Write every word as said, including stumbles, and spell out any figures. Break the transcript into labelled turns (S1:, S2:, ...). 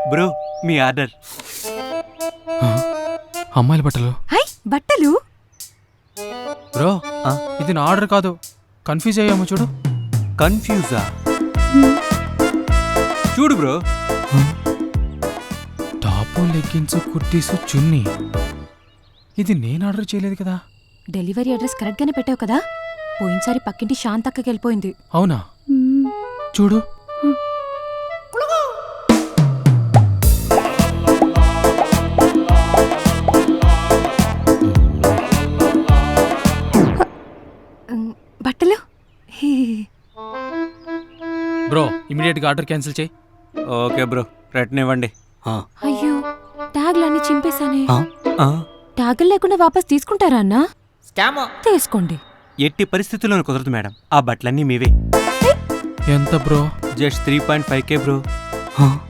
S1: Bro మీ order.
S2: అమ్మాయిల బట్టలు.
S3: High బట్టలు.
S2: బ్రో ఇది నా ఆర్డర్ కాదు, కన్ఫ్యూజ్ అయ్యాము చూడు.
S1: కన్ఫ్యూజా? చూడు bro.
S2: Top leggings kurtis chunni. ఇది నేను ఆర్డర్ చేయలేదు కదా.
S3: డెలివరీ అడ్రస్ కరెక్ట్ గానే పెట్టావు కదా. పోయినసారి పక్కింటి శాంతక్కకి వెళ్ళిపోయింది.
S2: అవునా? చూడు.
S3: బట్టలు.
S2: బ్రో ఇమీడియట్ గా ఆర్డర్ క్యాన్సిల్ చేయి.
S1: ఓకే బ్రో, రిటర్న్ ఇవ్వండి.
S3: అయ్యో ట్యాగ్లన్నీ చింపేశానే.
S1: ఆ,
S3: ట్యాగులు లేకుండా వాపస్ తీసుకుంటారా అన్నా? తీసుకోండి.
S1: ఎట్టి పరిస్థితుల్లోనూ కుదరదు మేడం, ఆ బట్టలన్నీ మీవే.
S2: ఎంత bro?
S1: Just three point five K bro.